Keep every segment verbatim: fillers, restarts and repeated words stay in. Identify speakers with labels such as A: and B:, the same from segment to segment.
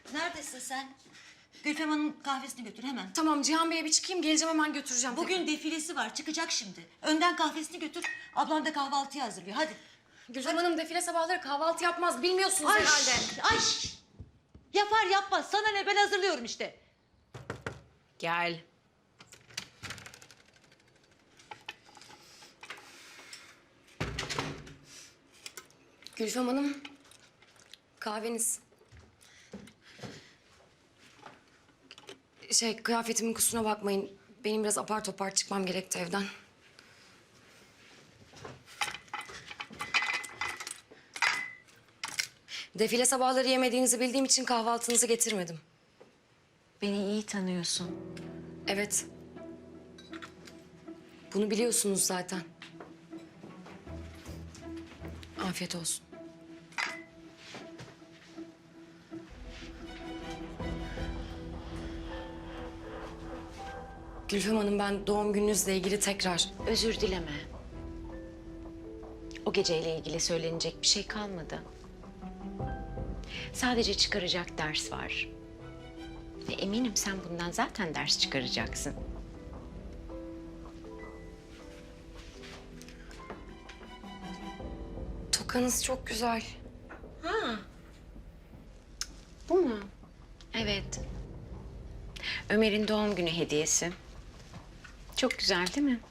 A: Neredesin sen? Gülfem Hanım'ın kahvesini götür hemen.
B: Tamam Cihan Bey'e bir çıkayım, geleceğim hemen götüreceğim.
A: Bugün defilesi var, çıkacak şimdi. Önden kahvesini götür, ablan da kahvaltıyı hazırlıyor. Hadi.
B: Gülfem Hanım defile sabahları kahvaltı yapmaz, bilmiyorsunuz
A: Ay,
B: herhalde.
A: ay! Yapar yapmaz, sana ne, ben hazırlıyorum işte.
B: Gel. Gülfem Hanım, kahveniz. Şey, kıyafetimin kusuruna bakmayın. Benim biraz apar topar çıkmam gerekti evden. Defile sabahları yemediğinizi bildiğim için kahvaltınızı getirmedim.
C: Beni iyi tanıyorsun.
B: Evet. Bunu biliyorsunuz zaten. Afiyet olsun. Gülfem Hanım, ben doğum gününüzle ilgili tekrar...
C: Özür dileme. O geceyle ilgili söylenecek bir şey kalmadı. Sadece çıkaracak ders var. Ve eminim sen bundan zaten ders çıkaracaksın.
B: Tokanız çok güzel.
C: Bu mu? Evet. Ömer'in doğum günü hediyesi. Çok güzel değil mi?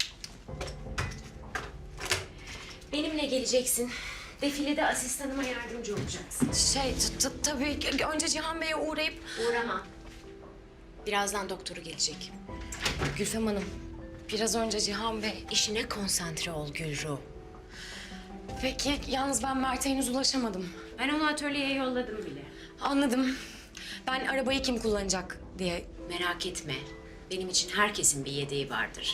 C: Benimle geleceksin. Defilede asistanıma yardımcı olacaksın.
B: Şey, t- t- tabii ki önce Cihan Bey'e uğrayıp...
C: Uğrama. Birazdan doktoru gelecek.
B: Gülfem Hanım, biraz önce Cihan Bey...
C: İşine konsantre ol Gülru.
B: Peki, yalnız ben Mert'e henüz ulaşamadım.
C: Ben onu atölyeye yolladım bile.
B: Anladım. Ben arabayı kim kullanacak diye...
C: Merak etme. Benim için herkesin bir yedeği vardır.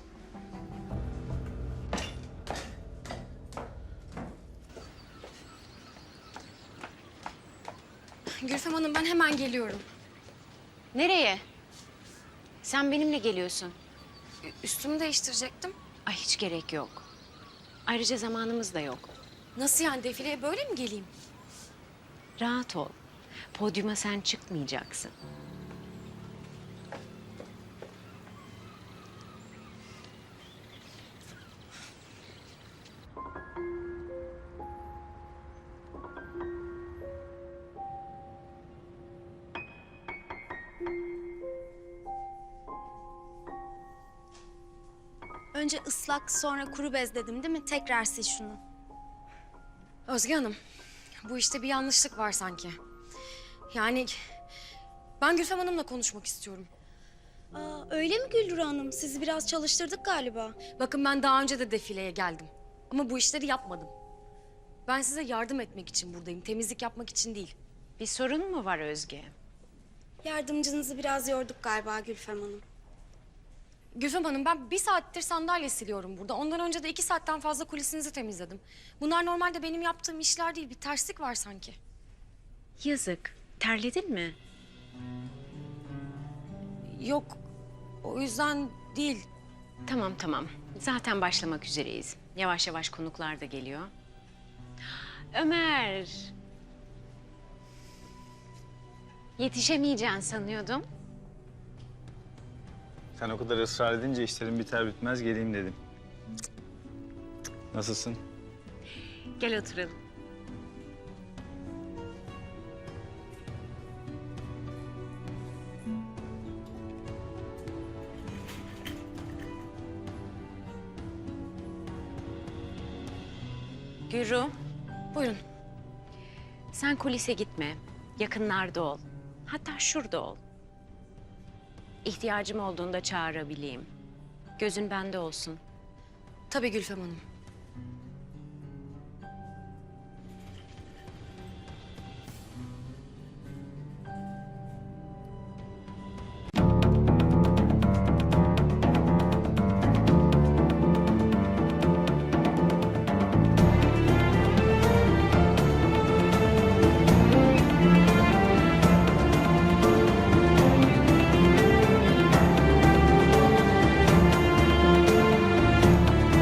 B: Gülfem Hanım, ben hemen geliyorum.
C: Nereye? Sen benimle geliyorsun.
B: Ü- Üstümü değiştirecektim.
C: Ay hiç gerek yok. Ayrıca zamanımız da yok.
B: Nasıl yani, defileye böyle mi geleyim?
C: Rahat ol. Podyuma sen çıkmayacaksın.
D: Önce ıslak sonra kuru bez dedim değil mi? Tekrar sil şunu.
B: Özge Hanım, bu işte bir yanlışlık var sanki. Yani ben Gülfem Hanım'la konuşmak istiyorum.
D: Aa, öyle mi Güldür Hanım? Sizi biraz çalıştırdık galiba.
B: Bakın, ben daha önce de defileye geldim. Ama bu işleri yapmadım. Ben size yardım etmek için buradayım, temizlik yapmak için değil.
C: Bir sorun mu var Özge?
D: Yardımcınızı biraz yorduk galiba Gülfem Hanım.
B: Gülfem Hanım, ben bir saattir sandalye siliyorum burada. Ondan önce de iki saatten fazla kulisinizi temizledim. Bunlar normalde benim yaptığım işler değil, bir terslik var sanki.
C: Yazık. Terledin mi?
B: Yok, o yüzden değil.
C: Tamam tamam. Zaten başlamak üzereyiz. Yavaş yavaş konuklar da geliyor. Ömer. Yetişemeyeceğini sanıyordum.
E: Sen o kadar ısrar edince işlerim biter bitmez geleyim dedim. Nasılsın?
C: Gel oturalım. Gürü,
B: Buyurun.
C: sen kulise gitme. Yakınlarda ol. Hatta şurada ol. İhtiyacım olduğunda çağırabileyim. Gözün bende olsun.
B: Tabii Gülfem Hanım.